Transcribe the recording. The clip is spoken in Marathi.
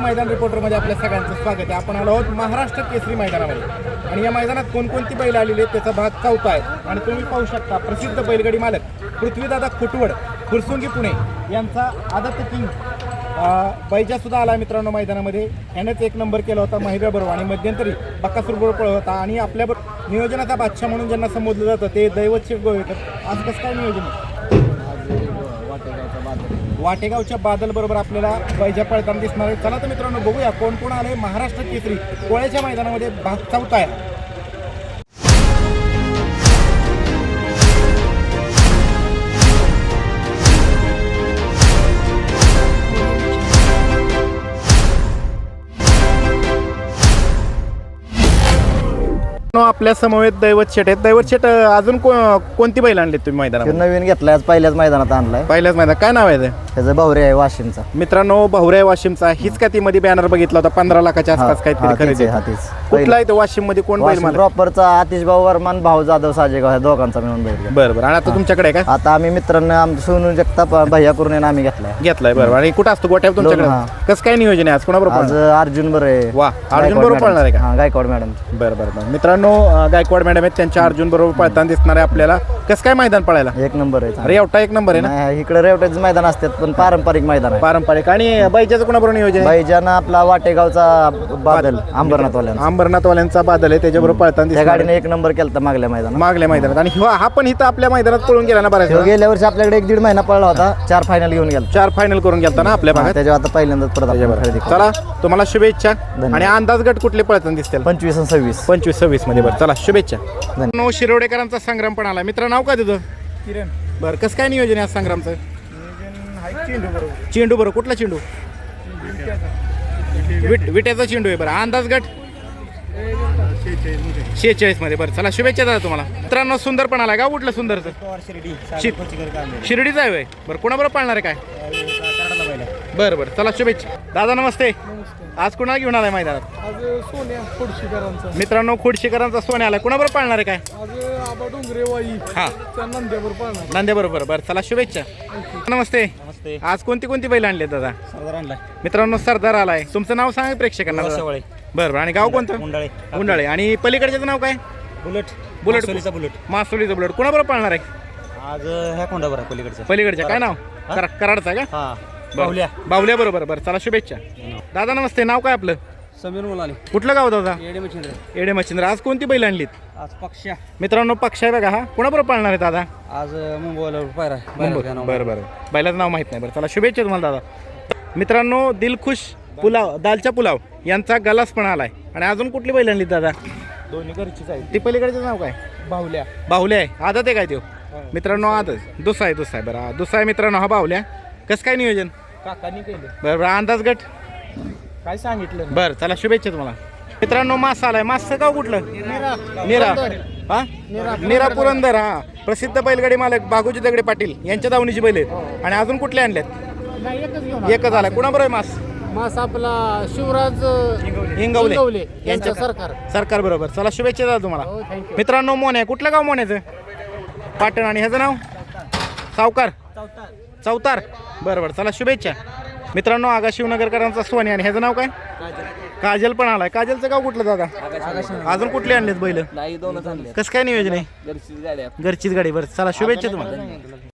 मैदान रिपोर्टरमध्ये आपल्या सगळ्यांचं स्वागत आहे. आपण आलो आहोत महाराष्ट्र केसरी मैदानामध्ये आणि या मैदानात कोणकोणती बैल आलेली आहेत त्याचा भाग 4 आहे. आणि तुम्ही पाहू शकता प्रसिद्ध बैलगाडी मालक पृथ्वीदादा खुटवड फुरसुंगी पुणे यांचा आदत किंग बैजा सुद्धा आला मित्रांनो मैदानामध्ये. यानेच 1 नंबर केला होता महिब्याबरोबर आणि मध्यंतरी बक्कासूर बरोबर पळत होता. आणि आपल्याबरोबर नियोजनाचा बादशाह म्हणून ज्यांना संबोधलं जातं ते दैवत शेठ गोवेकर. आज कसं काय नियोजन आहे? वाटेगावच्या बादल बरोबर आपल्याला बैजा पळताना दिसणार आहे. चला तर मित्रांनो बघूया कोण कोण आले महाराष्ट्र केसरी कोळ्याच्या मैदानामध्ये भाग 4 आहे. आपल्या समवेत दैवत शेठ आहेत. दैवत शेठ अजून कोणती बैल आणली तुम्ही मैदानात? नवीन घेतलाय आज पहिल्याच मैदानात आणलाय. पहिल्याच मैदान काय नाव आहे त्याचं भावरे आहे वाशिमचा. मित्रांनो भावरे वाशिमचा हीच का ती मध्ये बॅनर बघितला होता 15 लाखाच्या आसपास काहीतरी खरेदी. कुठला आहे तो वाशिम मध्ये कोण बैल मला? प्रॉपरचा आतिश भाऊ वर्मान भाऊ जाधव साजेगाव ह्या दोघांचा मिळून बैल. बरोबर. आणि आता तुमच्याकडे काय? आता आम्ही मित्रांना आमचं सोनू जगताप भैया करून आम्ही घेतलाय. बरोबर. आणि कुठं असतो गोट्यावर तुमच्याकडे? कसं काय नियोजन आहे आज कोणाबरोबर? आज अर्जुन बरोबर आहे. वा अर्जुन बरोबर पळणार आहे का? गायकवाड मॅडम. बरोबर. मित्रांनो गायकवाड मॅडम आहेत त्यांच्या अर्जुन बरोबर पळताना दिसणार आहे आपल्याला. कसं काय मैदान पळायला? 1 नंबर आहे. अरे एवढा 1 नंबर आहे ना. इकडे रेवट्याचं मैदान असतात पण पारंपरिक मैदान आहे. पारंपरिक. आणि बैजाचं कोणाबरोबर नियोजन आहे? बैजानं आपला वाटेगावचा बादल अंबरनाथवाल्यांचा बादल आहे त्याच्याबरोबर पळताना त्या गाडीने 1 नंबर केला मागल्या मैदानात. आणि हा पण इथं आपल्या मैदानात पळून गेला ना बऱ्याच. गेल्या वर्षी आपल्याकडे 1-1.5 महिना पळला होता. 4 फायनल घेऊन गेला. 4 फायनल करून गेलता ना आपल्या भागात. त्याच्यावर आता पहिल्यांदाच खरेदी. चला तुम्हाला शुभेच्छा. आणि अंदाज गट कुठले पळताना दिसतील? 25 आणि 26. 25-26 मध्ये. बरं चला शुभेच्छा. शिरोडेकरांचा संग्राम पण आला. मित्र नाव काय तुझं? किरण. बरं कसं काय नियोजन आहे आज संग्रामचं? चेंडू बरोबर. कुठला चेंडू? विट्याचा चेंडू आहे. बरं अंदाज गट 46 मध्ये. बरं चला शुभेच्छा दादा तुम्हाला. मित्रांनो सुंदर पण आला. गाव कुठलं सुंदरचं? शिर्डीचा आहे. बरं कोणाबरोबर पाळणार आहे काय? बरं बरं चला शुभेच्छा. दादा नमस्ते. आज कुणाला घेऊन आलाय मैदानात? आज सोन्या खोडशीकरांचा. मित्रांनो खोडशीकरांचा सोन्या आला. कोणाबरोबर पाळणार आहे काय? आज आबा डोंगरे वाई हा नंद्यावर पाळणार. नांद्याबरोबर. बरं चला शुभेच्छा. नमस्ते. आज कोणती बैल आणली दादा? मित्रांनो सरदार आलाय. तुमचं नाव सांगा प्रेक्षकांना. बरं. आणि गाव कोणतं? उंडाळे. आणि पलीकडच्याचं नाव काय? बुलेट. मासोलीचा बुलेट. कोणाबरोबर पाळणार आहे? आज ह्या कोंडावर पलीकडच्या काय नाव? कराडचा का? बाहुल्या बरोबर. बरं चला शुभेच्छा. दादा नमस्ते. नाव काय आपलं? समीर मुलानी. कुठलं गाव दादा? येडे मच्छिंद्र. आज कोणती बैल आणलीत? आज पक्षा. मित्रांनो पक्ष आहे बघा. हा कोणाबरोबर पाळणार आहे दादा? आज मुंबईला पायरा. बरं. बैलाचं नाव माहित नाही. बरं चला शुभेच्छा तुम्हाला दादा. मित्रांनो दिलखुश दालचा पुलाव यांचा गलास पण आलाय. आणि अजून कुठली बैल आणली दादा? दोन्ही घरचीच आहे. ती पलीकडचं नाव काय? बाहुल्या आहे. आदत आहे काय तो? मित्रांनो आदत दुसा आहे. बरं दुसा आहे मित्रांनो हा बाहुल्या. कसं काय नियोजन? काकांनी केलं. बरं अंदाज गट काय सांगितलं? बरं चला शुभेच्छा तुम्हाला. मित्रांनो मास आलाय. मासचं गाव कुठलं? निरा पुरंदर. हा प्रसिद्ध बैलगाडी मालक बागुजी दगडे पाटील यांच्या दावणीची बैल आहेत. आणि अजून कुठले आणल्यात? एकच आलाय. कुणाबरोबर मास आपला शिवराज हिंगवले यांच्या सरकार बरोबर. चला शुभेच्छा दादा तुम्हाला. मित्रांनो मोन आहे. कुठलं गाव मोन्याचं? पाटण. आणि ह्याचं नाव? सावकार चौतार. बरोबर चला शुभेच्छा. मित्रांनो आगा शिवनगरकरांचा सोने. आणि ह्याचं नाव काय? काजल पण आलाय. काजलचं गाव कुठलं दादा? अजून कुठले आणलेत बैल? कसं काय नियोजन आहे? घरचीच गाडी. बरं चला शुभेच्छा तुम्हाला.